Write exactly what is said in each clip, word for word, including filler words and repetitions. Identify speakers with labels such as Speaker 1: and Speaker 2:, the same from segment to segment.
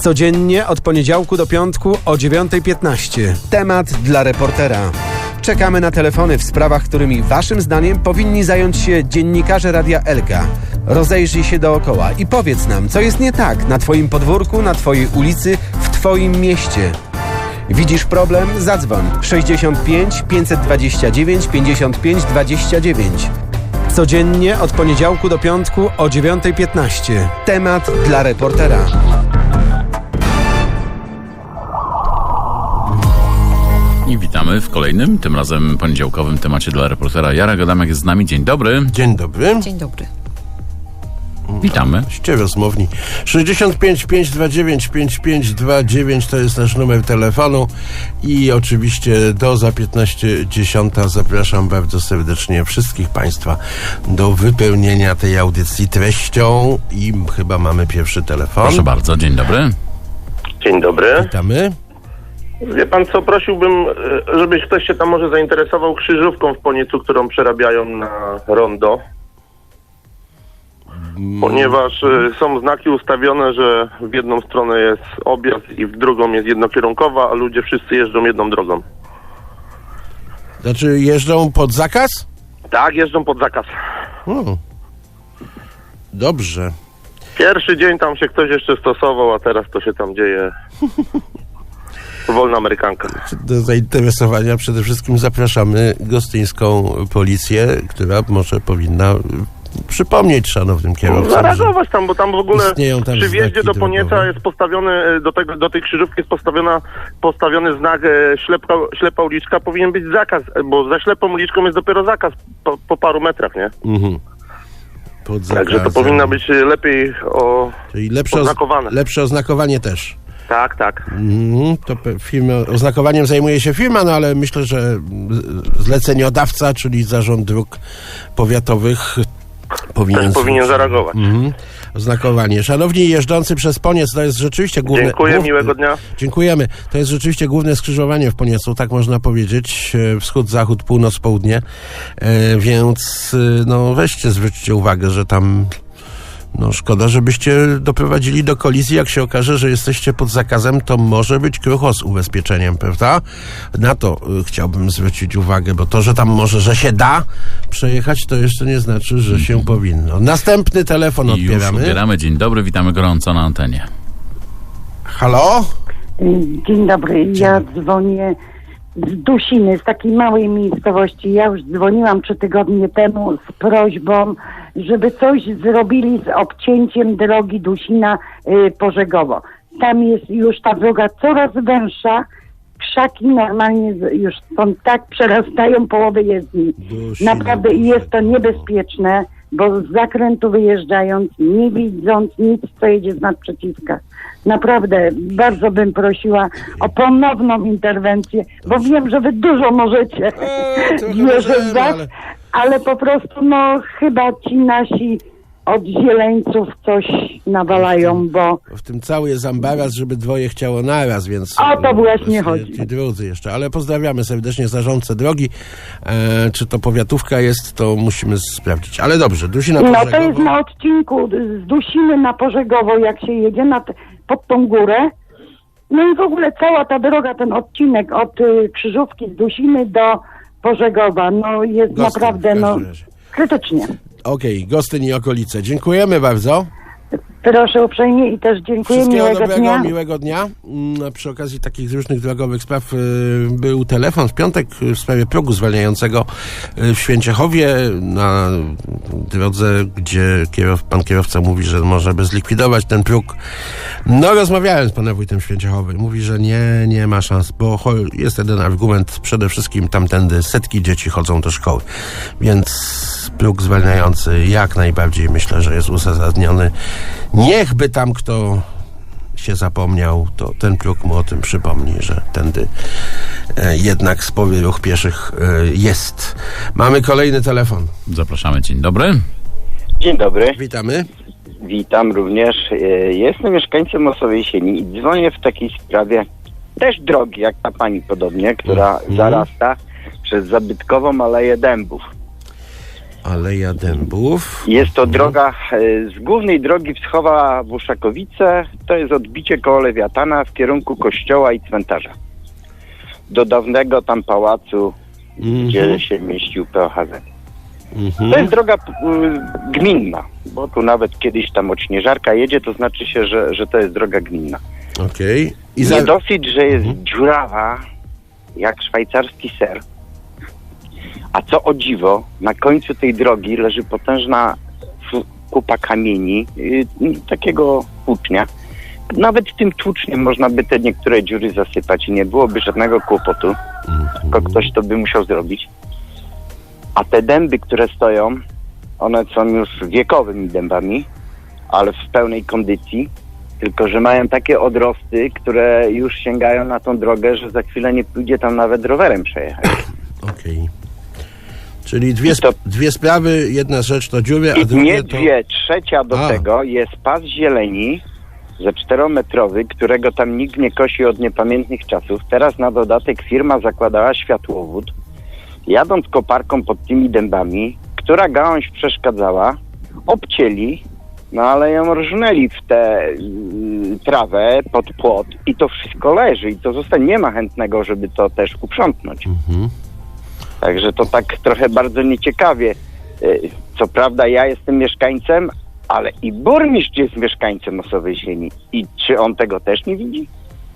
Speaker 1: Codziennie od poniedziałku do piątku o dziewiąta piętnaście. Temat dla reportera. Czekamy na telefony w sprawach, którymi waszym zdaniem powinni zająć się dziennikarze Radia Elka. Rozejrzyj się dookoła i powiedz nam, co jest nie tak na twoim podwórku, na twojej ulicy, w twoim mieście. Widzisz problem? Zadzwoń sześćdziesiąt pięć pięćset dwadzieścia dziewięć pięćdziesiąt pięć dwadzieścia dziewięć. Codziennie od poniedziałku do piątku o dziewiąta piętnaście. Temat dla reportera.
Speaker 2: I witamy w kolejnym, tym razem poniedziałkowym temacie dla reportera. Jarek Adamek jest z nami. Dzień dobry.
Speaker 3: Dzień dobry.
Speaker 4: Dzień dobry.
Speaker 2: Witamy.
Speaker 3: Ście rozmowni. sześćdziesiąt pięć pięćset dwadzieścia dziewięć pięćdziesiąt pięć dwadzieścia dziewięć to jest nasz numer telefonu i oczywiście do za piętnaście dziesiąta zapraszam bardzo serdecznie wszystkich Państwa do wypełnienia tej audycji treścią i chyba mamy pierwszy telefon.
Speaker 2: Proszę bardzo, dzień dobry.
Speaker 5: Dzień dobry.
Speaker 3: Witamy.
Speaker 5: Wie pan co, prosiłbym, żebyś ktoś się tam może zainteresował krzyżówką w Poniecu, którą przerabiają na rondo. Ponieważ y, są znaki ustawione, że w jedną stronę jest objazd i w drugą jest jednokierunkowa, a ludzie wszyscy jeżdżą jedną drogą.
Speaker 3: Znaczy jeżdżą pod zakaz?
Speaker 5: Tak, jeżdżą pod zakaz.
Speaker 3: Hmm. Dobrze.
Speaker 5: Pierwszy dzień tam się ktoś jeszcze stosował, a teraz to się tam dzieje. Wolna amerykanka.
Speaker 3: Do zainteresowania przede wszystkim zapraszamy gostyńską policję, która może powinna przypomnieć szanownym kierowcom.
Speaker 5: Zareagować tam, bo tam w ogóle
Speaker 3: tam
Speaker 5: przy wjeździe do Ponieca
Speaker 3: drogowe.
Speaker 5: jest postawiony, do, tego, do tej krzyżówki jest postawiona, postawiony znak e, ślepa, ślepa uliczka, powinien być zakaz, bo za ślepą uliczką jest dopiero zakaz po, po paru metrach, nie?
Speaker 3: Mhm. Pod
Speaker 5: Także to powinno być lepiej o,
Speaker 3: Czyli lepsze,
Speaker 5: oznakowane.
Speaker 3: lepsze oznakowanie też.
Speaker 5: Tak, tak.
Speaker 3: Mhm. To pe- firma, oznakowaniem zajmuje się firma, no ale myślę, że zleceniodawca, czyli Zarząd Dróg Powiatowych powinien,
Speaker 5: Też powinien zareagować.
Speaker 3: Mhm. Oznakowanie. Szanowni jeżdżący przez Poniec, to jest rzeczywiście główne...
Speaker 5: Dziękuję,
Speaker 3: główne,
Speaker 5: miłego dnia.
Speaker 3: Dziękujemy. To jest rzeczywiście główne skrzyżowanie w Poniecu, tak można powiedzieć. Wschód, zachód, północ, południe. E, więc no weźcie, zwróćcie uwagę, że tam... No szkoda, żebyście doprowadzili do kolizji. Jak się okaże, że jesteście pod zakazem, to może być krucho z ubezpieczeniem, prawda? Na to y, chciałbym zwrócić uwagę, bo to, że tam może, że się da przejechać, to jeszcze nie znaczy, że się powinno. Następny telefon
Speaker 2: I
Speaker 3: odbieramy.
Speaker 2: już odbieramy. Dzień dobry, witamy gorąco na antenie.
Speaker 3: Halo?
Speaker 6: Dzień dobry, ja dzwonię z Dusiny, z takiej małej miejscowości. Ja już dzwoniłam trzy tygodnie temu z prośbą, żeby coś zrobili z obcięciem drogi Dusina-Pożegowo. Tam jest już ta droga coraz węższa, krzaki normalnie już są tak, przerastają połowę jezdni.
Speaker 3: Dusina,
Speaker 6: Naprawdę jest to niebezpieczne, bo z zakrętu wyjeżdżając, nie widząc nic, co jedzie z nadprzeciwka. Naprawdę bardzo bym prosiła o ponowną interwencję, bo wiem, że wy dużo możecie.
Speaker 3: Eee, trochę
Speaker 6: Wierzę
Speaker 3: możemy,
Speaker 6: w was,
Speaker 3: ale-
Speaker 6: ale po prostu no chyba ci nasi od zieleńców coś nawalają, bo
Speaker 3: W tym cały jest ambaras, żeby dwoje chciało naraz, więc...
Speaker 6: O to właśnie
Speaker 3: e,
Speaker 6: chodzi.
Speaker 3: Ci drudzy jeszcze, ale pozdrawiamy serdecznie zarządcę drogi. E, czy to powiatówka jest, to musimy sprawdzić. Ale dobrze, Dusina
Speaker 6: no
Speaker 3: Pożegowo.
Speaker 6: to jest na odcinku z Dusiny na Pożegowo, jak się jedzie na t- pod tą górę. No i w ogóle cała ta droga, ten odcinek od y, Krzyżówki z Dusiny do Pożegowa, no jest
Speaker 3: Gostyn,
Speaker 6: naprawdę
Speaker 3: w
Speaker 6: no
Speaker 3: każdym razie.
Speaker 6: krytycznie.
Speaker 3: Okej, Gostyn i okolice. Dziękujemy bardzo.
Speaker 6: Proszę uprzejmie i też dziękuję,
Speaker 3: Wszystkiego
Speaker 6: miłego
Speaker 3: dobrego,
Speaker 6: dnia.
Speaker 3: miłego dnia. Mm, Przy okazji takich różnych drogowych spraw y, był telefon w piątek y, w sprawie progu zwalniającego y, w Święciechowie na drodze, gdzie kierow, pan kierowca mówi, że może by zlikwidować ten próg. No rozmawiałem z panem wójtem Święciechowy. Mówi, że nie, nie ma szans, bo cho- jest jeden argument. Przede wszystkim tamtędy setki dzieci chodzą do szkoły, więc próg zwalniający jak najbardziej myślę, że jest uzasadniony. Niechby tam kto się zapomniał, to ten próg mu o tym przypomni, że tędy e, jednak spory ruch pieszych e, jest. Mamy kolejny telefon.
Speaker 2: Zapraszamy, dzień dobry.
Speaker 7: Dzień dobry,
Speaker 3: Witamy.
Speaker 7: witam również. E, Jestem mieszkańcem Osowej Sieni i dzwonię w takiej sprawie też drogi, jak ta pani podobnie, która
Speaker 3: Mhm.
Speaker 7: zarasta przez zabytkową Aleję Dębów.
Speaker 3: Aleja Dębów.
Speaker 7: Jest to droga e, z głównej drogi Wschowa w Uszakowice. To jest odbicie koło Lewiatana w kierunku kościoła i cmentarza. Do dawnego tam pałacu,
Speaker 3: Mhm.
Speaker 7: gdzie się mieścił P O H Z.
Speaker 3: Mhm.
Speaker 7: To jest droga y, gminna, bo tu nawet kiedyś tam odśnieżarka jedzie, to znaczy się, że, że to jest droga gminna.
Speaker 3: Okej. I
Speaker 7: Nie
Speaker 3: za...
Speaker 7: dosyć, że jest
Speaker 3: Mhm.
Speaker 7: dziurawa, jak szwajcarski ser, a co o dziwo, na końcu tej drogi leży potężna f- kupa kamieni, y, takiego tłucznia. Nawet tym tłuczniem można by te niektóre dziury zasypać i nie byłoby żadnego kłopotu, tylko ktoś to by musiał zrobić. A te dęby, które stoją, one są już wiekowymi dębami, ale w pełnej kondycji, tylko że mają takie odrosty, które już sięgają na tą drogę, że za chwilę nie pójdzie tam nawet rowerem przejechać.
Speaker 3: Okej. Czyli dwie,
Speaker 7: I to-
Speaker 3: sp- dwie sprawy, jedna rzecz to dziury, a
Speaker 7: I
Speaker 3: drugie
Speaker 7: nie
Speaker 3: to...
Speaker 7: dwie, trzecia do
Speaker 3: A.
Speaker 7: tego jest pas zieleni ze czterometrowy, którego tam nikt nie kosi od niepamiętnych czasów. Teraz na dodatek firma zakładała światłowód. Jadąc koparką pod tymi dębami, która gałąź przeszkadzała, obcięli, no ale ją rżnęli w tę y, trawę pod płot i to wszystko leży i to zostanie. Nie ma chętnego, żeby to też uprzątnąć.
Speaker 3: Mhm.
Speaker 7: Także to tak trochę bardzo nieciekawie. Y, Co prawda ja jestem mieszkańcem, ale i burmistrz jest mieszkańcem Osowej Sieni. I czy on tego też nie widzi?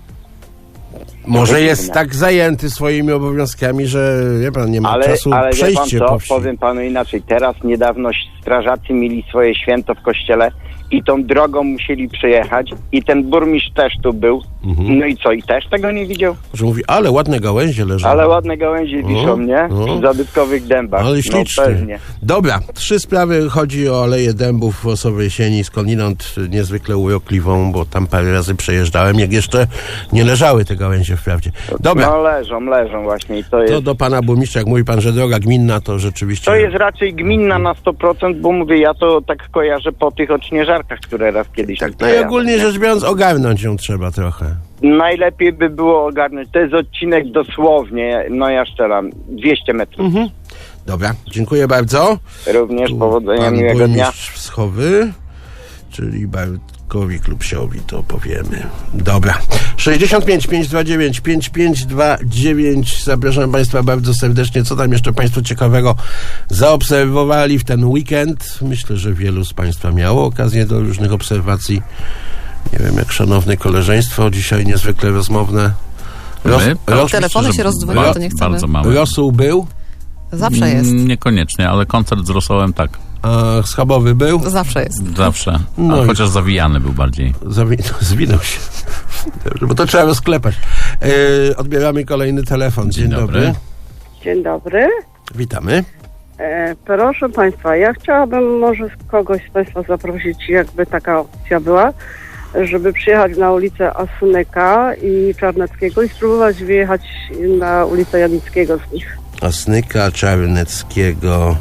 Speaker 3: Może
Speaker 7: To
Speaker 3: jest
Speaker 7: dziwne.
Speaker 3: tak zajęty swoimi obowiązkami, że wie pan, nie ma
Speaker 7: Ale,
Speaker 3: czasu
Speaker 7: ale wie pan
Speaker 3: przejście
Speaker 7: co,
Speaker 3: po wsi.
Speaker 7: powiem panu inaczej. Teraz niedawno strażacy mieli swoje święto w kościele i tą drogą musieli przejechać i ten burmistrz też tu był.
Speaker 3: Mhm.
Speaker 7: No i co? I też tego nie widział?
Speaker 3: Że mówi, ale ładne gałęzie leżą.
Speaker 7: Ale ładne gałęzie wiszą, nie?
Speaker 3: no.
Speaker 7: W zabytkowych dębach.
Speaker 3: Ale
Speaker 7: No
Speaker 3: ślicznie.
Speaker 7: pewnie.
Speaker 3: Dobra, trzy sprawy. Chodzi o Aleję Dębów w Osowej Sieni, skądinąd niezwykle urokliwą, bo tam parę razy przejeżdżałem, jak jeszcze nie leżały te gałęzie wprawdzie. Dobra,
Speaker 7: No leżą, leżą właśnie i to jest...
Speaker 3: to do pana burmistrza, jak mówi pan, że droga gminna, to rzeczywiście...
Speaker 7: To jest raczej gminna na sto procent, bo mówię, ja to tak kojarzę po tych odśnieżarkach, które raz kiedyś...
Speaker 3: Tak,
Speaker 7: tu
Speaker 3: no i
Speaker 7: przejadą,
Speaker 3: ogólnie
Speaker 7: nie?
Speaker 3: rzecz biorąc, ogarnąć ją trzeba trochę.
Speaker 7: Najlepiej by było ogarnąć. To jest odcinek dosłownie, no ja szczeram, dwieście metrów.
Speaker 3: Mhm. Dobra, dziękuję bardzo.
Speaker 7: Również
Speaker 3: Tu
Speaker 7: powodzenia,
Speaker 3: pan
Speaker 7: miłego dnia.
Speaker 3: burmistrz Wschowy, czyli Bartkowi Klubsiowi to powiemy. Dobra. sześćdziesiąt pięć pięćset dwadzieścia dziewięć pięćdziesiąt pięć dwadzieścia dziewięć. Zapraszam państwa bardzo serdecznie. Co tam jeszcze państwo ciekawego zaobserwowali w ten weekend? Myślę, że wielu z państwa miało okazję do różnych obserwacji. Nie wiem, jak szanowne koleżeństwo, dzisiaj niezwykle rozmowne. Roz,
Speaker 2: My?
Speaker 3: roz,
Speaker 4: Telefony
Speaker 2: Myślę,
Speaker 4: się
Speaker 2: że
Speaker 4: rozdwoiły,
Speaker 2: ba-
Speaker 4: to nie chcemy.
Speaker 2: Bardzo mało.
Speaker 3: rosół był,
Speaker 4: Zawsze jest.
Speaker 2: Mm, Niekoniecznie, ale koncert z rosołem tak.
Speaker 3: a schabowy był.
Speaker 4: Zawsze jest.
Speaker 2: Zawsze.
Speaker 3: No
Speaker 2: A
Speaker 3: i-
Speaker 2: chociaż zawijany był bardziej.
Speaker 3: Zawi- zwinął się. Dobrze, bo to trzeba rozklepać. Yy, odbieramy kolejny telefon. Dzień,
Speaker 2: Dzień
Speaker 3: dobry.
Speaker 2: dobry.
Speaker 8: Dzień dobry.
Speaker 3: Witamy.
Speaker 8: E, proszę Państwa, ja chciałabym może kogoś z Państwa zaprosić, jakby taka opcja była, żeby przyjechać na ulicę Asunyka i Czarneckiego i spróbować wyjechać na ulicę Janickiego z nich.
Speaker 3: Asnyka, Czarneckiego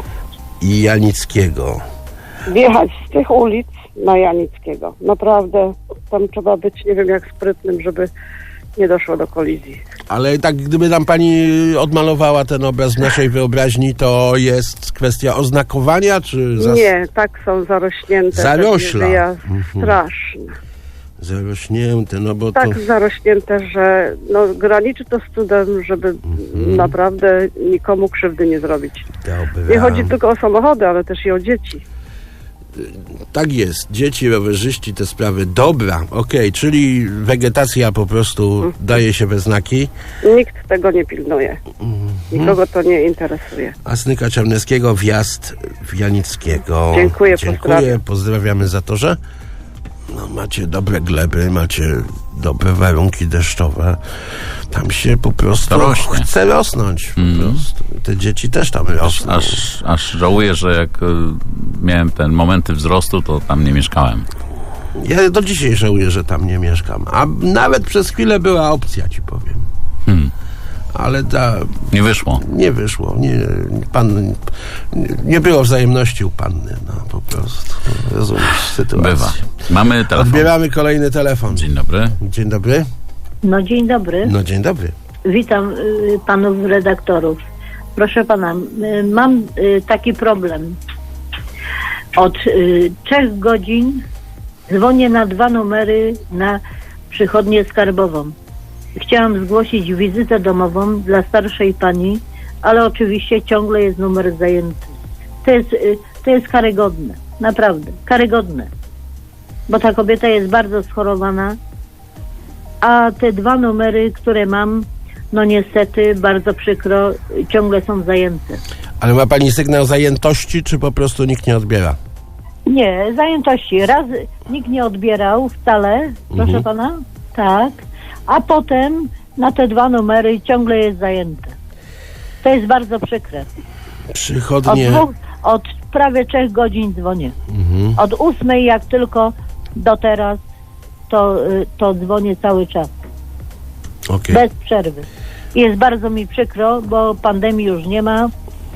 Speaker 3: i Janickiego.
Speaker 8: Wjechać z tych ulic na Janickiego. Naprawdę tam trzeba być, nie wiem jak sprytnym, żeby nie doszło do kolizji.
Speaker 3: Ale tak, gdyby nam pani odmalowała ten obraz w naszej wyobraźni, to jest kwestia oznakowania, czy... Zas-
Speaker 8: Nie, tak są zarośnięte.
Speaker 3: Zarośla.
Speaker 8: Te wyjazd
Speaker 3: Mhm.
Speaker 8: straszne.
Speaker 3: Zarośnięte, no bo to...
Speaker 8: Tak zarośnięte, że no, graniczy to z cudem, żeby
Speaker 3: Mhm.
Speaker 8: naprawdę nikomu krzywdy nie zrobić.
Speaker 3: Dobra.
Speaker 8: Nie chodzi tylko o samochody, ale też i o dzieci.
Speaker 3: Tak jest. Dzieci, rowerzyści, te sprawy. Dobra, okej, czyli wegetacja po prostu daje się we znaki.
Speaker 8: Nikt tego nie pilnuje.
Speaker 3: Mhm.
Speaker 8: Nikogo to nie interesuje.
Speaker 3: Asnyka Czarneckiego, wjazd w Janickiego.
Speaker 8: Dziękuję,
Speaker 3: Dziękuję,
Speaker 8: pozdrawiam.
Speaker 3: pozdrawiamy za to, że no, macie dobre gleby, macie dobre warunki deszczowe. Tam się po prostu
Speaker 2: To rośnie.
Speaker 3: chce rosnąć. Po prostu. Te dzieci też tam rosną.
Speaker 2: Aż, aż żałuję, że jak y, miałem ten momenty wzrostu, to tam nie mieszkałem.
Speaker 3: Ja do dzisiaj żałuję, że tam nie mieszkam. A nawet przez chwilę była opcja, ci powiem.
Speaker 2: Hmm.
Speaker 3: Ale ta
Speaker 2: Nie wyszło.
Speaker 3: nie wyszło. Nie, pan, nie było wzajemności u panny. No, po prostu. Rozumiesz sytuację.
Speaker 2: Bywa. Mamy telefon.
Speaker 3: Odbieramy kolejny telefon.
Speaker 2: Dzień dobry.
Speaker 3: Dzień dobry.
Speaker 9: No dzień dobry.
Speaker 3: No dzień dobry.
Speaker 9: Witam y, panów redaktorów.
Speaker 4: Proszę pana, y, mam y, taki problem. Od y, trzech godzin dzwonię na dwa numery na przychodnię skarbową. Chciałam zgłosić wizytę domową dla starszej pani, ale oczywiście ciągle jest numer zajęty. To jest, y, to jest karygodne. Naprawdę, karygodne. Bo ta kobieta jest bardzo schorowana, a te dwa numery, które mam, no niestety, bardzo przykro, ciągle są zajęte.
Speaker 3: Ale ma pani sygnał zajętości, czy po prostu nikt nie odbiera?
Speaker 4: Nie, zajętości. Raz nikt nie odbierał wcale, proszę
Speaker 3: Mhm.
Speaker 4: pana, tak, a potem na te dwa numery ciągle jest zajęte. To jest bardzo przykre. Od,
Speaker 3: Przychodnie...
Speaker 4: dwóch, od prawie trzech godzin dzwonię.
Speaker 3: Mhm.
Speaker 4: Od ósmej jak tylko do teraz, to, y, to dzwonię cały czas.
Speaker 3: Okej.
Speaker 4: Bez przerwy. Jest bardzo mi przykro, bo pandemii już nie ma,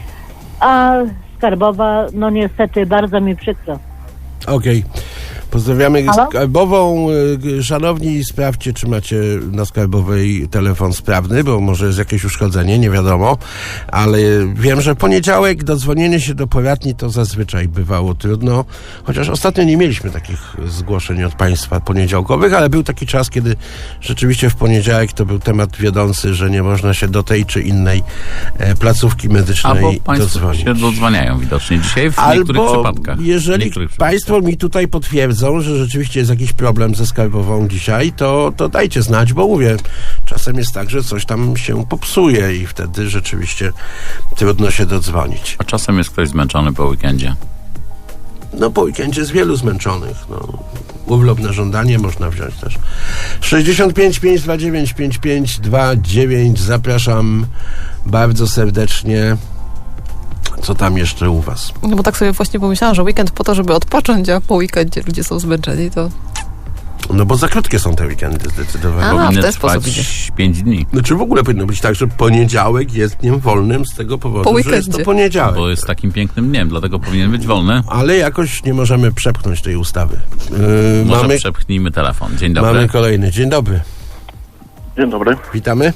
Speaker 4: a skarbowa, no niestety bardzo mi przykro.
Speaker 3: Okej. Pozdrawiamy
Speaker 4: Halo?
Speaker 3: skarbową. Y, Szanowni, sprawdźcie, czy macie na skarbowej telefon sprawny, bo może jest jakieś uszkodzenie, nie wiadomo. Ale wiem, że poniedziałek dodzwonienie się do poradni to zazwyczaj bywało trudno. Chociaż ostatnio nie mieliśmy takich zgłoszeń od państwa poniedziałkowych, ale był taki czas, kiedy rzeczywiście w poniedziałek to był temat wiodący, że nie można się do tej czy innej e, placówki medycznej
Speaker 2: Albo państwo
Speaker 3: dodzwonić.
Speaker 2: się dodzwaniają widocznie dzisiaj w niektórych
Speaker 3: Albo
Speaker 2: przypadkach. W
Speaker 3: jeżeli
Speaker 2: niektórych
Speaker 3: państwo
Speaker 2: przypadkach.
Speaker 3: mi tutaj potwierdzą, że rzeczywiście jest jakiś problem ze skarbową dzisiaj, to, to dajcie znać, bo mówię, czasem jest tak, że coś tam się popsuje i wtedy rzeczywiście trudno się dodzwonić.
Speaker 2: A czasem jest ktoś zmęczony po weekendzie.
Speaker 3: No po weekendzie jest wielu zmęczonych. No. Urlop na żądanie można wziąć też. sześćdziesiąt pięć pięćset dwadzieścia dziewięć pięćdziesiąt pięć dwadzieścia dziewięć. Zapraszam bardzo serdecznie. Co tam jeszcze u was?
Speaker 9: No bo tak sobie właśnie pomyślałam, że weekend po to, żeby odpocząć, a po weekendzie ludzie są zmęczeni, to...
Speaker 3: No bo za krótkie są te weekendy zdecydowanie.
Speaker 9: A, w
Speaker 2: Powinny
Speaker 9: ten sposób
Speaker 2: trwać pięć dni,
Speaker 3: Znaczy w ogóle powinno być tak, że poniedziałek jest dniem wolnym z tego powodu,
Speaker 9: Po
Speaker 3: że jest to
Speaker 9: weekendzie.
Speaker 3: poniedziałek.
Speaker 2: bo jest takim pięknym dniem, dlatego powinien być wolny.
Speaker 3: Ale jakoś nie możemy przepchnąć tej ustawy. Yy,
Speaker 2: Może
Speaker 3: mamy,
Speaker 2: przepchnijmy telefon. Dzień dobry.
Speaker 3: mamy kolejny. Dzień dobry.
Speaker 5: Dzień dobry.
Speaker 3: Witamy.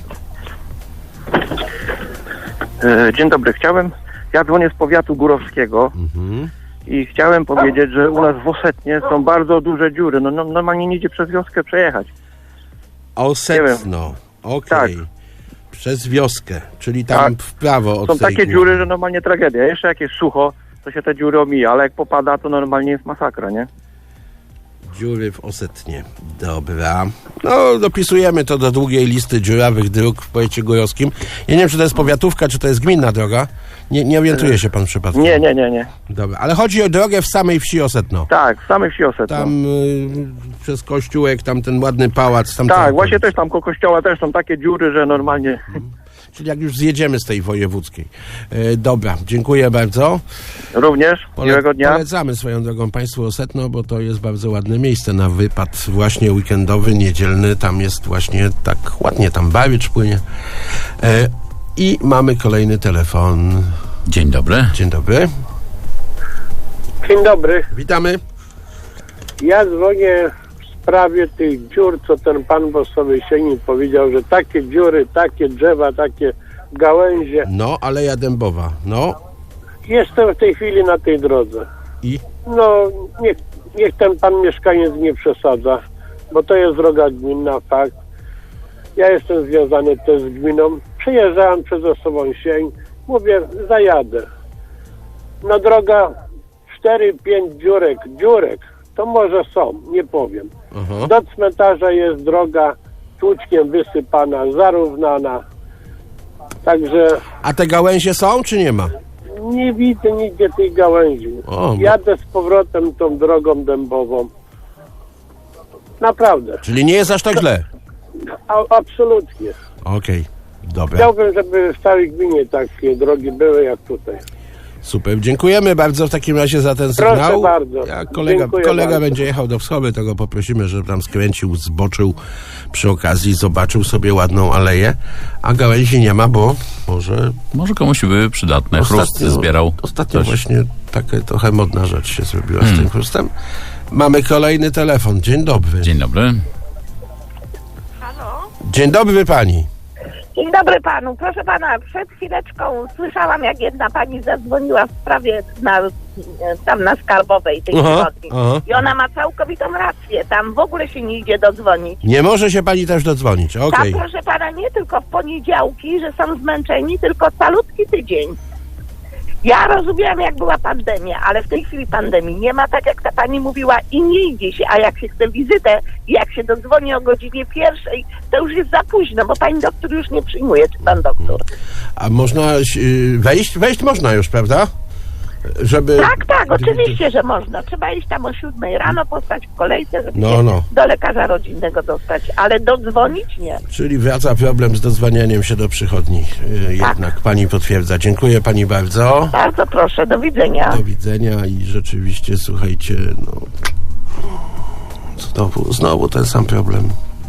Speaker 5: E, dzień dobry. Chciałem, ja dzwonię z powiatu górowskiego
Speaker 3: Mhm.
Speaker 5: i chciałem powiedzieć, że u nas w Osetnie są bardzo duże dziury. No, no normalnie nie idzie przez wioskę przejechać.
Speaker 3: Osetno. Okej.
Speaker 5: Tak.
Speaker 3: Przez wioskę, czyli tam
Speaker 5: Tak.
Speaker 3: w prawo od
Speaker 5: Są
Speaker 3: tej
Speaker 5: takie
Speaker 3: góry.
Speaker 5: dziury, że normalnie tragedia. Jeszcze jak jest sucho, to się te dziury omija, ale jak popada, to normalnie jest masakra, nie?
Speaker 3: Dziury w Osetnie. Dobra. No, dopisujemy to do długiej listy dziurawych dróg w powiecie górowskim. Ja nie wiem, czy to jest powiatówka, czy to jest gminna droga. Nie, nie orientuje się pan przypadkiem.
Speaker 5: Nie, nie, nie, nie.
Speaker 3: Dobra, ale chodzi o drogę w samej wsi Osetno.
Speaker 5: Tak, w samej wsi Osetno.
Speaker 3: Tam y, przez kościółek, tam ten ładny pałac. Tam
Speaker 5: Tak,
Speaker 3: tam-
Speaker 5: właśnie też tam koło kościoła też są takie dziury, że normalnie...
Speaker 3: Czyli jak już zjedziemy z tej wojewódzkiej. E, dobra, dziękuję bardzo.
Speaker 5: Również,
Speaker 3: Pole-
Speaker 5: miłego dnia.
Speaker 3: Polecamy swoją drogą Państwu Osetno, bo to jest bardzo ładne miejsce na wypad właśnie weekendowy, niedzielny. Tam jest właśnie tak ładnie, tam bawicz płynie. E, I mamy kolejny telefon.
Speaker 2: Dzień dobry.
Speaker 3: Dzień dobry.
Speaker 10: Dzień dobry.
Speaker 3: Witamy.
Speaker 10: Ja dzwonię w sprawie tych dziur, co ten pan Bosowy Sienin powiedział, że takie dziury, takie drzewa, takie gałęzie.
Speaker 3: No, Aleja Dębowa. No
Speaker 10: Jestem w tej chwili na tej drodze.
Speaker 3: i
Speaker 10: No, niech, niech ten pan mieszkaniec nie przesadza, bo to jest droga gminna, fakt. Ja jestem związany też z gminą. Przejeżdżałem przez Osobą Sień. Mówię, zajadę. No droga cztery pięć dziurek, dziurek, to może są, nie powiem.
Speaker 3: aha.
Speaker 10: Do cmentarza jest droga tłuczkiem wysypana, zarównana. Także
Speaker 3: A te gałęzie są, czy nie ma?
Speaker 10: nie widzę nigdzie tej gałęzi.
Speaker 3: O,
Speaker 10: Jadę z powrotem tą drogą dębową. Naprawdę.
Speaker 3: czyli nie jest aż tak źle.
Speaker 10: A, absolutnie.
Speaker 3: Okej, dobra.
Speaker 10: Chciałbym, żeby w całej gminie takie drogi były jak tutaj.
Speaker 3: Super, dziękujemy bardzo w takim razie za ten
Speaker 10: Proszę
Speaker 3: sygnał.
Speaker 10: bardzo.
Speaker 3: Jak kolega,
Speaker 10: Dziękuję
Speaker 3: kolega
Speaker 10: bardzo.
Speaker 3: będzie jechał do wschody, to go poprosimy, żeby tam skręcił, zboczył przy okazji, zobaczył sobie ładną aleję, a gałęzi nie ma, bo może
Speaker 2: Może komuś były przydatne. Chrust zbierał.
Speaker 3: Ostatnio
Speaker 2: ktoś.
Speaker 3: właśnie taka trochę modna rzecz się zrobiła
Speaker 2: Hmm.
Speaker 3: z tym chrustem. Mamy kolejny telefon. Dzień dobry.
Speaker 2: Dzień dobry.
Speaker 3: Dzień dobry pani.
Speaker 11: Dzień dobry panu. Proszę pana, przed chwileczką słyszałam, jak jedna pani zadzwoniła w sprawie na, tam na Skarbowej tej przychodni. I ona ma całkowitą rację. Tam w ogóle się nie idzie dodzwonić.
Speaker 3: Nie może się pani też dodzwonić, okej.
Speaker 11: Tam, proszę pana, nie tylko w poniedziałki, że są zmęczeni, tylko calutki tydzień. Ja rozumiałam, jak była pandemia, ale w tej chwili pandemii nie ma, tak jak ta pani mówiła, i nie idzie się, a jak się chce wizytę i jak się dodzwoni o godzinie pierwszej, to już jest za późno, bo pani doktor już nie przyjmuje, czy pan doktor.
Speaker 3: A można y, wejść? Wejść można już, prawda? Żeby...
Speaker 11: Tak, tak, oczywiście, że można. Trzeba iść tam o siódmej rano, postać w kolejce, żeby
Speaker 3: no,
Speaker 11: się
Speaker 3: no.
Speaker 11: do lekarza rodzinnego dostać, ale dodzwonić nie.
Speaker 3: Czyli wraca problem z dodzwanianiem się do przychodni. Yy,
Speaker 11: tak. Jednak
Speaker 3: pani potwierdza. Dziękuję pani bardzo.
Speaker 11: Bardzo proszę, do widzenia.
Speaker 3: Do widzenia i rzeczywiście, słuchajcie, no... Znowu, znowu ten sam problem.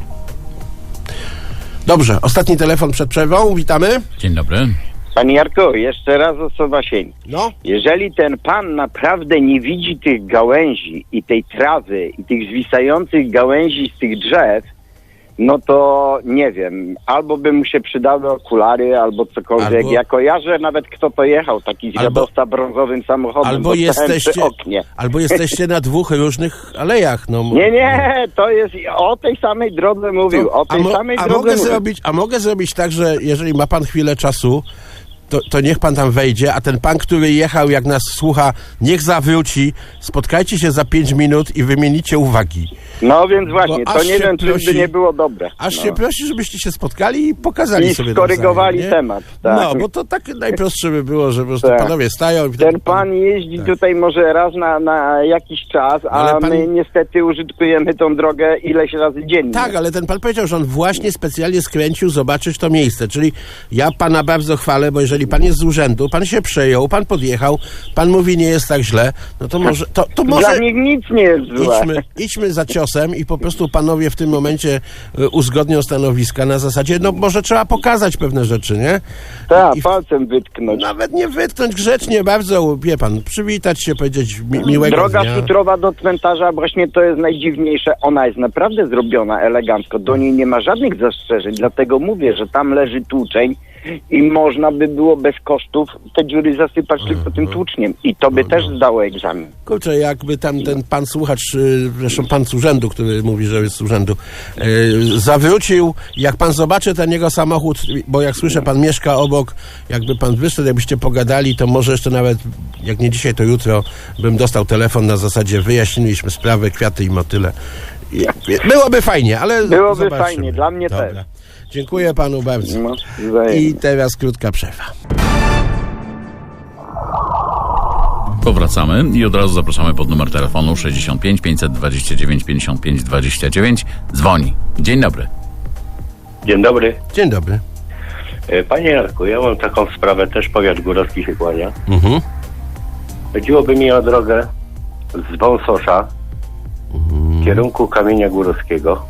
Speaker 3: Dobrze, ostatni telefon przed przerwą. Witamy.
Speaker 2: Dzień dobry.
Speaker 7: Panie Jarku, jeszcze raz osoba sień.
Speaker 3: No.
Speaker 7: Jeżeli ten pan naprawdę nie widzi tych gałęzi i tej trawy i tych zwisających gałęzi z tych drzew, no to nie wiem, albo by mu się przydały okulary, albo cokolwiek.
Speaker 3: Albo...
Speaker 7: Ja kojarzę nawet, kto to jechał, taki zwiadowca albo... brązowym samochodem.
Speaker 3: Albo jesteście,
Speaker 7: oknie.
Speaker 3: albo jesteście na dwóch różnych alejach. No.
Speaker 7: Nie, nie, to jest o tej samej drodze mówił, to, o tej
Speaker 3: a mo,
Speaker 7: samej
Speaker 3: a
Speaker 7: drodze
Speaker 3: mogę
Speaker 7: mówił.
Speaker 3: Zrobić, a mogę zrobić tak, że jeżeli ma pan chwilę czasu, To, to niech pan tam wejdzie, a ten pan, który jechał, jak nas słucha, niech zawróci, spotkajcie się za pięć minut i wymienicie uwagi.
Speaker 7: No więc właśnie,
Speaker 3: Bo
Speaker 7: to nie wiem,
Speaker 3: prosi,
Speaker 7: czy by nie było dobre.
Speaker 3: Aż
Speaker 7: no.
Speaker 3: się prosi, żebyście się spotkali i pokazali
Speaker 7: I
Speaker 3: sobie
Speaker 7: skorygowali
Speaker 3: nawzajem,
Speaker 7: temat. Tak.
Speaker 3: No, bo to tak najprostsze by było, że po prostu
Speaker 7: tak.
Speaker 3: panowie stają. I
Speaker 7: ten pan jeździ tak. tutaj może raz na, na jakiś czas, a pan... my niestety użytkujemy tą drogę ileś razy dziennie.
Speaker 3: Tak, ale ten pan powiedział, że on właśnie specjalnie skręcił zobaczyć to miejsce, czyli ja pana bardzo chwalę, bo jeżeli pan jest z urzędu, pan się przejął, pan podjechał, pan mówi, nie jest tak źle, no to może... To, to może
Speaker 7: dla nich nic nie jest złe.
Speaker 3: Idźmy, idźmy za ciosem i po prostu panowie w tym momencie uzgodnią stanowiska na zasadzie, no może trzeba pokazać pewne rzeczy, nie?
Speaker 7: Tak, palcem wytknąć.
Speaker 3: Nawet nie wytknąć, grzecznie bardzo, wie pan, przywitać się, powiedzieć mi, miłego
Speaker 7: Droga
Speaker 3: dnia.
Speaker 7: futrowa do cmentarza, właśnie to jest najdziwniejsze, ona jest naprawdę zrobiona elegancko, do niej nie ma żadnych zastrzeżeń, dlatego mówię, że tam leży tłuczeń i można by było bez kosztów te dziury zasypać mm, tylko tym tłuczniem i to by no, też zdało egzamin.
Speaker 3: Kurczę, jakby tam ten pan słuchacz, zresztą pan z urzędu, który mówi, że jest z urzędu, yy, zawrócił, jak pan zobaczy ten jego samochód, bo jak słyszę, pan mieszka obok, jakby pan wyszedł, jakbyście pogadali, to może jeszcze nawet, jak nie dzisiaj, to jutro bym dostał telefon na zasadzie, wyjaśniliśmy sprawę, kwiaty i motyle. I, byłoby fajnie, ale
Speaker 7: byłoby
Speaker 3: zobaczymy.
Speaker 7: fajnie, dla mnie
Speaker 3: Dobra.
Speaker 7: też.
Speaker 3: Dziękuję panu bardzo.
Speaker 7: No,
Speaker 3: i teraz krótka przerwa.
Speaker 2: Powracamy i od razu zapraszamy pod numer telefonu sześćdziesiąt pięć pięćset dwadzieścia dziewięć pięćdziesiąt pięć dwadzieścia dziewięć. Dzwoni. Dzień dobry.
Speaker 12: Dzień dobry.
Speaker 3: Dzień dobry.
Speaker 12: Panie Jarku, ja mam taką sprawę, też powiat górowski się kłania.
Speaker 3: Mhm.
Speaker 12: Chodziłoby mi o drogę z Wąsosza mhm. w kierunku Kamienia Górowskiego.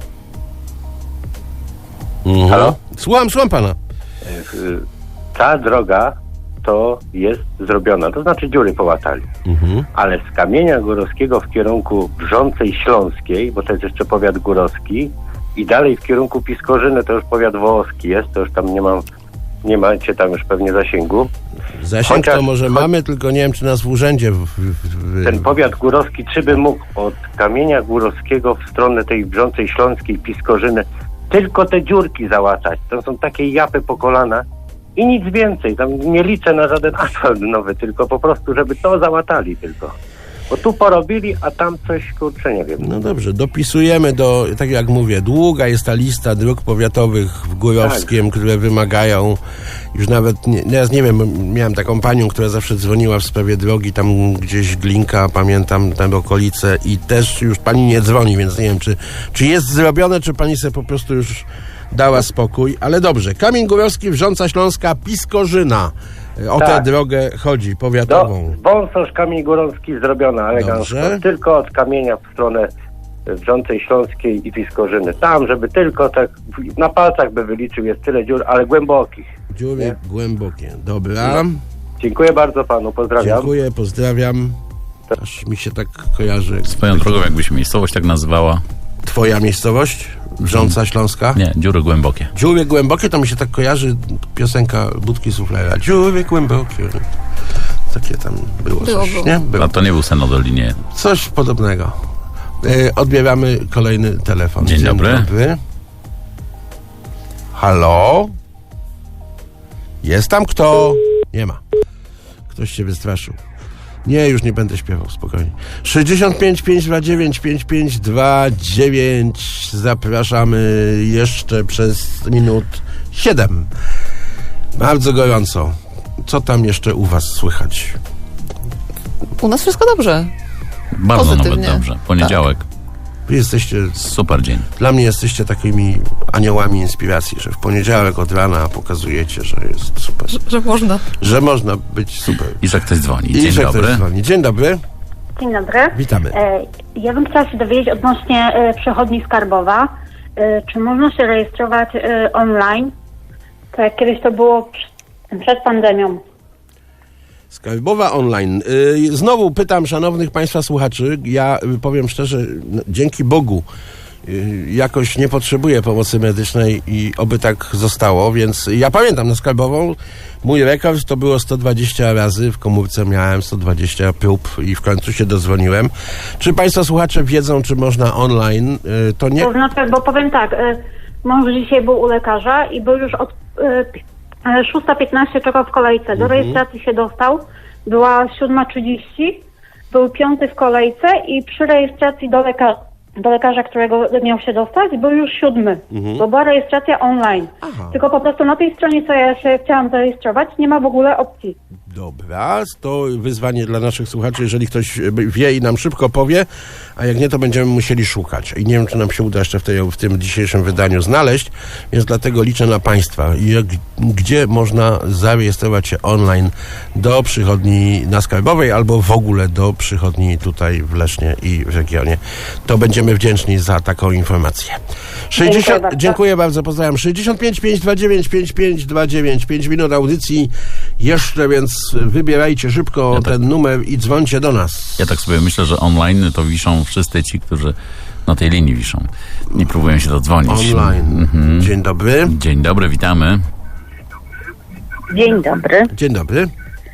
Speaker 3: Mhm. Halo? Słucham, słucham pana.
Speaker 12: Ta droga to jest zrobiona, to znaczy dziury połatali. Mhm. Ale z Kamienia Górowskiego w kierunku Brzącej Śląskiej, bo to jest jeszcze powiat górowski, i dalej w kierunku Piskorzyny to już powiat wołoski jest, to już tam nie mam, nie macie tam już pewnie zasięgu.
Speaker 3: Zasięg Chociaż, to może cho- mamy, tylko nie wiem, czy nas w urzędzie... W, w, w...
Speaker 12: Ten powiat górowski, czy by mógł od Kamienia Górowskiego w stronę tej Brzącej Śląskiej, Piskorzyny, tylko te dziurki załatać. To są takie japy po kolana i nic więcej. Tam nie liczę na żaden asfalt nowy, tylko po prostu, żeby to załatali tylko. Bo tu porobili, a tam coś, kurczę, nie wiem.
Speaker 3: No dobrze, dopisujemy do, tak jak mówię, długa jest ta lista dróg powiatowych w Górowskiem, tak. które wymagają, już nawet, nie, teraz nie wiem, miałem taką panią, która zawsze dzwoniła w sprawie drogi, tam gdzieś Glinka, pamiętam, tam okolice i też już pani nie dzwoni, więc nie wiem, czy, czy jest zrobione, czy pani sobie po prostu już dała spokój, ale dobrze. Kamień Górowski, Wrząca Śląska, Piskorzyna. O tak. tę drogę chodzi, powiatową.
Speaker 12: Wąsosz, Kamień Górowski zrobiona elegancko. Tylko od Kamienia w stronę Wrzącej Śląskiej i Piskorzyny. Tam, żeby tylko tak na palcach by wyliczył, jest tyle dziur, ale głębokich.
Speaker 3: Dziury nie? głębokie. Dobra.
Speaker 12: No. Dziękuję bardzo panu, pozdrawiam.
Speaker 3: Dziękuję, pozdrawiam. Aż mi się tak kojarzy.
Speaker 2: Swoją drogą, jakby się miejscowość tak nazywała,
Speaker 3: Twoja miejscowość? Wrząca Śląska?
Speaker 2: Nie, dziury głębokie.
Speaker 3: Dziury głębokie, to mi się tak kojarzy piosenka Budki Suflera. Dziury głębokie. Takie tam było,
Speaker 9: było
Speaker 3: coś,
Speaker 9: było.
Speaker 3: nie? Było.
Speaker 2: A to nie był sen o Dolinie.
Speaker 3: Coś podobnego. E, odbieramy kolejny telefon.
Speaker 2: Dzień dobry.
Speaker 3: dobry. Halo? Jest tam kto? Nie ma. Ktoś się wystraszył. Nie, już nie będę śpiewał, spokojnie. sześćdziesiąt pięć pięćset dwadzieścia dziewięć pięćdziesiąt pięć dwadzieścia dziewięć. Zapraszamy jeszcze przez minut siedem. Bardzo gorąco. Co tam jeszcze u was słychać?
Speaker 9: U nas wszystko dobrze.
Speaker 2: Bardzo
Speaker 9: Pozytywnie.
Speaker 2: nawet dobrze. Poniedziałek.
Speaker 3: Wy jesteście,
Speaker 2: Super dzień.
Speaker 3: dla mnie jesteście takimi aniołami inspiracji, że w poniedziałek od rana pokazujecie, że jest super.
Speaker 9: Że, że można.
Speaker 3: Że można być super.
Speaker 2: I że ktoś dzwoni.
Speaker 3: I
Speaker 2: Dzień
Speaker 3: że
Speaker 2: dobry.
Speaker 3: ktoś dzwoni. Dzień dobry.
Speaker 13: Dzień dobry.
Speaker 3: Witamy.
Speaker 13: E, Ja bym chciała się dowiedzieć odnośnie e, przychodni Skarbowa. E, Czy można się rejestrować e, online? Tak jak kiedyś to było przy- przed pandemią.
Speaker 3: Skarbowa online. Yy, Znowu pytam szanownych państwa słuchaczy, ja y, powiem szczerze, no, dzięki Bogu y, jakoś nie potrzebuję pomocy medycznej i oby tak zostało, więc ja pamiętam na Skarbową, mój rekord to było sto dwadzieścia razy, w komórce miałem sto dwadzieścia prób i w końcu się dozwoniłem. Czy państwo słuchacze wiedzą, czy można online? Yy, To nie...
Speaker 13: To znaczy, bo powiem tak, e, mąż dzisiaj był u lekarza i był już od e, szósta piętnaście czekał w kolejce. Do rejestracji się dostał. Była siódma trzydzieści. Był piąty w kolejce i przy rejestracji do, leka- do lekarza, którego miał się dostać, był już siódmy. Bo była rejestracja online.
Speaker 3: Aha.
Speaker 13: Tylko po prostu na tej stronie, co ja się chciałam zarejestrować, nie ma w ogóle opcji.
Speaker 3: Dobra, to wyzwanie dla naszych słuchaczy, jeżeli ktoś wie i nam szybko powie, a jak nie, to będziemy musieli szukać. I nie wiem, czy nam się uda jeszcze w, tej, w tym dzisiejszym wydaniu znaleźć, więc dlatego liczę na państwa. I jak, gdzie można zarejestrować się online do przychodni na Skarbowej albo w ogóle do przychodni tutaj w Lesznie i w regionie. To będziemy wdzięczni za taką informację. sześćdziesiąt,
Speaker 13: Dziękuję bardzo.
Speaker 3: dziękuję bardzo, pozdrawiam. sześćdziesiąt pięć pięćset dwadzieścia dziewięć pięćdziesiąt pięć dwadzieścia dziewięć, pięć minut audycji jeszcze, więc wybierajcie szybko
Speaker 2: Ja tak-
Speaker 3: ten numer i dzwońcie do nas.
Speaker 2: Ja tak sobie myślę, że online to wiszą wszyscy ci, którzy na tej linii wiszą i próbują się dodzwonić.
Speaker 3: Online.
Speaker 2: Mhm.
Speaker 3: Dzień dobry.
Speaker 2: Dzień dobry, witamy.
Speaker 14: Dzień dobry.
Speaker 3: Dzień dobry.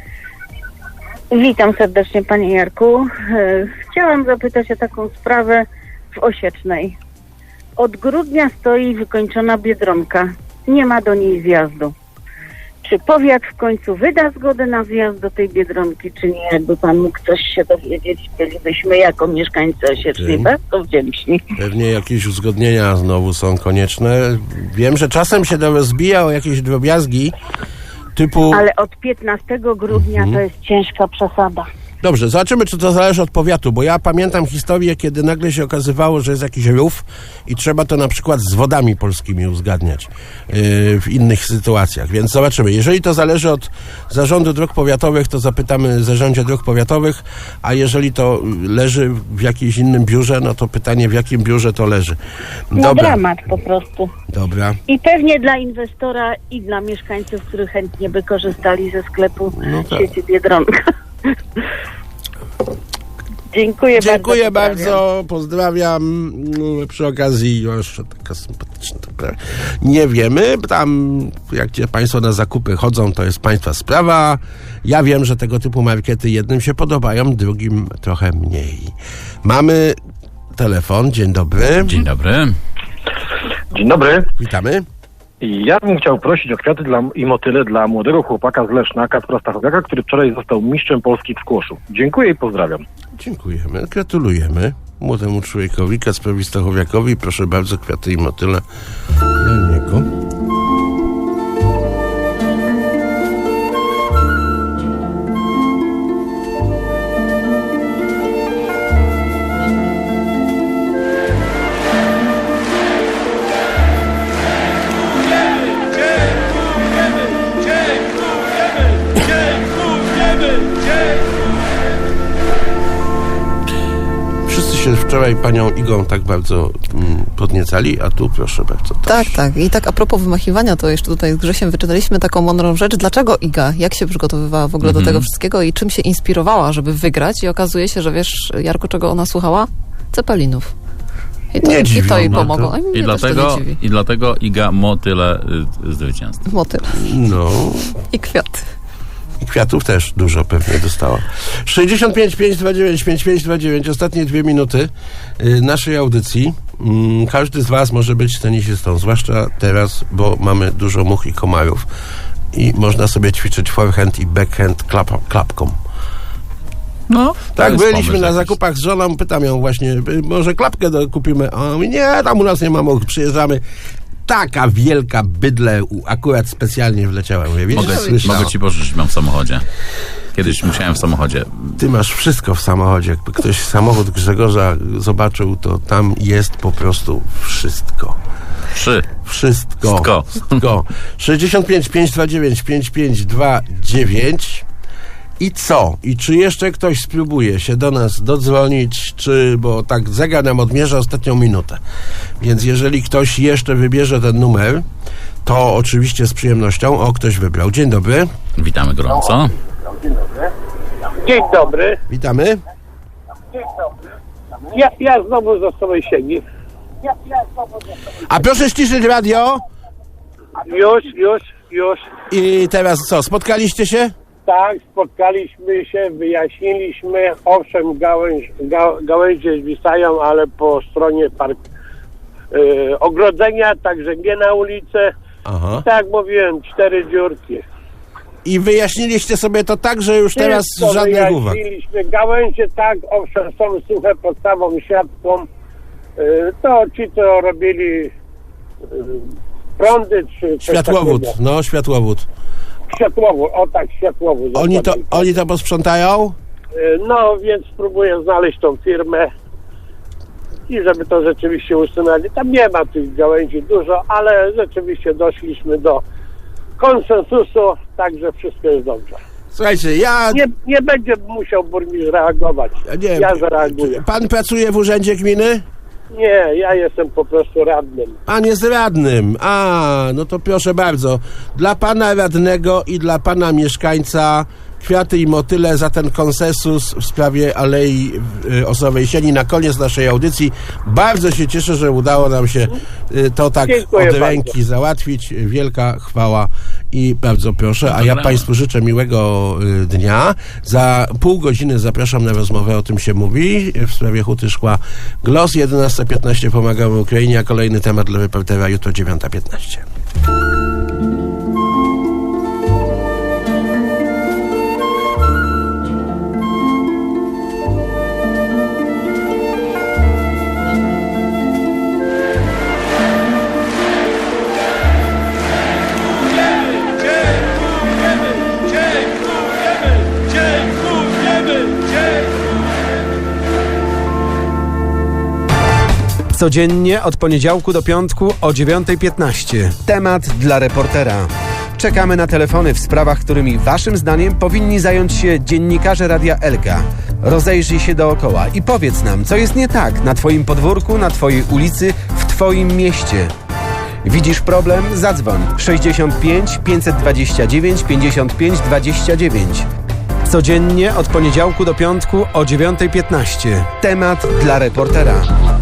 Speaker 14: Witam serdecznie Panie Jarku. E, Chciałam zapytać o taką sprawę w Osiecznej. Od grudnia stoi wykończona Biedronka. Nie ma do niej zjazdu. Czy powiat w końcu wyda zgodę na zjazd do tej Biedronki, czy nie? Jakby Pan mógł coś się dowiedzieć, bylibyśmy jako mieszkańcy Osiecznej
Speaker 3: Dzień.
Speaker 14: bardzo wdzięczni.
Speaker 3: Pewnie jakieś uzgodnienia znowu są konieczne. Wiem, że czasem się to rozbija o jakieś drobiazgi typu...
Speaker 14: Ale od piętnastego grudnia to jest ciężka przesada.
Speaker 3: Dobrze, zobaczymy, czy to zależy od powiatu, bo ja pamiętam historię, kiedy nagle się okazywało, że jest jakiś rów i trzeba to na przykład z Wodami Polskimi uzgadniać yy, w innych sytuacjach, więc zobaczymy. Jeżeli to zależy od Zarządu Dróg Powiatowych, to zapytamy Zarządzie Dróg Powiatowych, a jeżeli to leży w jakimś innym biurze, no to pytanie, w jakim biurze to leży.
Speaker 14: No
Speaker 3: Dobra,
Speaker 14: dramat po prostu.
Speaker 3: dobra.
Speaker 14: I pewnie dla inwestora i dla mieszkańców, którzy chętnie by korzystali ze sklepu
Speaker 3: No tak.
Speaker 14: sieci Biedronka. Dziękuję,
Speaker 3: Dziękuję
Speaker 14: bardzo.
Speaker 3: bardzo, pozdrawiam. No, przy okazji jeszcze taka sympatyczna sprawa. Nie wiemy, tam jak gdzie państwo na zakupy chodzą, to jest państwa sprawa. Ja wiem, że tego typu markety jednym się podobają, drugim trochę mniej. Mamy telefon, dzień dobry.
Speaker 2: Dzień dobry.
Speaker 15: Dzień dobry.
Speaker 3: Witamy.
Speaker 15: Ja bym chciał prosić o kwiaty dla, i motyle dla młodego chłopaka z Leszna, Kacpra Stachowiaka, który wczoraj został mistrzem Polski w squashu. Dziękuję i pozdrawiam.
Speaker 3: Dziękujemy, gratulujemy młodemu człowiekowi, Kacprowi Stachowiakowi. Proszę bardzo, kwiaty i motyle dla niego. Wszyscy się wczoraj panią Igą tak bardzo mm, podniecali, a tu proszę bardzo.
Speaker 9: Tak, tak. I tak a propos wymachiwania, to jeszcze tutaj z Grzesiem wyczytaliśmy taką mądrą rzecz. Dlaczego Iga? Jak się przygotowywała w ogóle
Speaker 2: Mhm.
Speaker 9: do tego wszystkiego i czym się inspirowała, żeby wygrać? I okazuje się, że wiesz, Jarku, czego ona słuchała? Cepelinów. I to,
Speaker 3: Nie
Speaker 9: i
Speaker 3: dziwi
Speaker 9: to jej
Speaker 3: mnie to.
Speaker 9: pomogło. A mnie
Speaker 2: I
Speaker 9: też
Speaker 2: dlatego,
Speaker 9: to nie dziwi.
Speaker 2: I dlatego Iga motyle y, zwycięstwo.
Speaker 9: Motyl.
Speaker 3: No.
Speaker 9: I kwiaty.
Speaker 3: I kwiatów też dużo pewnie dostała. sześćdziesiąt pięć pięćset dwadzieścia dziewięć pięćdziesiąt pięć dwadzieścia dziewięć, ostatnie dwie minuty y, naszej audycji. Mm, każdy z was może być tenisistą, zwłaszcza teraz, bo mamy dużo much i komarów. I można sobie ćwiczyć forehand i backhand klap, klapką.
Speaker 2: No,
Speaker 3: Tak,
Speaker 2: jest
Speaker 3: byliśmy
Speaker 2: pomysł
Speaker 3: na
Speaker 2: jakiś.
Speaker 3: zakupach z żoną, pytam ją właśnie, y, może klapkę do, kupimy? A on mówi, nie, tam u nas nie ma much, przyjeżdżamy. Taka wielka bydle u- akurat specjalnie wleciała. Mówię, widzisz,
Speaker 2: Mogę,
Speaker 3: słyszałem.
Speaker 2: mogę ci pożyczyć, mam w samochodzie. Kiedyś musiałem w samochodzie.
Speaker 3: Ty masz wszystko w samochodzie. Jakby ktoś samochód Grzegorza zobaczył, to tam jest po prostu wszystko.
Speaker 2: Trzy.
Speaker 3: Wszystko.
Speaker 2: Wszystko.
Speaker 3: Wszystko. sześćdziesiąt pięć pięćset dwadzieścia dziewięć pięćdziesiąt pięć dwadzieścia dziewięć. I co? I czy jeszcze ktoś spróbuje się do nas dodzwonić, czy, bo tak zegar nam odmierza ostatnią minutę. Więc jeżeli ktoś jeszcze wybierze ten numer, to oczywiście z przyjemnością. O, ktoś wybrał. Dzień dobry.
Speaker 2: Witamy gorąco.
Speaker 10: Dzień dobry.
Speaker 3: Witamy.
Speaker 10: Ja, ja znowu za sobą siedzi.
Speaker 3: A proszę ściszyć radio.
Speaker 10: Już, już, już.
Speaker 3: I teraz co? Spotkaliście się?
Speaker 10: Tak, spotkaliśmy się, wyjaśniliśmy. Owszem, gałęź, ga, gałęzie zwisają, ale po stronie park, y, ogrodzenia, także nie na ulicę.
Speaker 3: Aha.
Speaker 10: Tak jak mówiłem, cztery dziurki.
Speaker 3: I wyjaśniliście sobie to tak, że już teraz
Speaker 10: Wszystko
Speaker 3: żadnych uwag.
Speaker 10: wyjaśniliśmy. Gałęzie tak, owszem, są suche pod samą siatką. Y, to ci, co robili y, prądy, czy coś
Speaker 3: Światłowód,
Speaker 10: takiego.
Speaker 3: no światłowód.
Speaker 10: Światłowód, o tak, światłowód.
Speaker 3: Oni to,
Speaker 10: dokładnie.
Speaker 3: oni to posprzątają?
Speaker 10: Y, No, więc spróbuję znaleźć tą firmę i żeby to rzeczywiście usunęli. Tam nie ma tych gałęzi dużo, ale rzeczywiście doszliśmy do konsensusu, także wszystko jest dobrze.
Speaker 3: Słuchajcie, ja...
Speaker 10: Nie, nie będzie musiał burmistrz reagować.
Speaker 3: Nie,
Speaker 10: Ja zareaguję.
Speaker 3: Pan pracuje w urzędzie gminy?
Speaker 10: Nie, ja jestem po prostu radnym.
Speaker 3: Pan jest radnym. A, no to proszę bardzo. Dla pana radnego i dla pana mieszkańca kwiaty i motyle za ten konsensus w sprawie Alei y, Osowej Sieni na koniec naszej audycji. Bardzo się cieszę, że udało nam się y, to tak
Speaker 10: Dziękuję
Speaker 3: od
Speaker 10: bardzo.
Speaker 3: ręki załatwić. Wielka chwała i bardzo proszę. A ja
Speaker 2: Dobra.
Speaker 3: państwu życzę miłego y, dnia. Za pół godziny zapraszam na rozmowę O tym się mówi w sprawie Huty Szkła Glos. jedenasta piętnaście pomagamy Ukrainie, a kolejny temat dla reportera jutro dziewiąta piętnaście.
Speaker 1: Codziennie od poniedziałku do piątku o dziewiąta piętnaście. Temat dla reportera. Czekamy na telefony w sprawach, którymi waszym zdaniem powinni zająć się dziennikarze Radia Elka. Rozejrzyj się dookoła i powiedz nam, co jest nie tak na twoim podwórku, na twojej ulicy, w twoim mieście. Widzisz problem? Zadzwoń sześćdziesiąt pięć pięćset dwadzieścia dziewięć pięćdziesiąt pięć dwadzieścia dziewięć. Codziennie od poniedziałku do piątku o dziewiąta piętnaście. Temat dla reportera.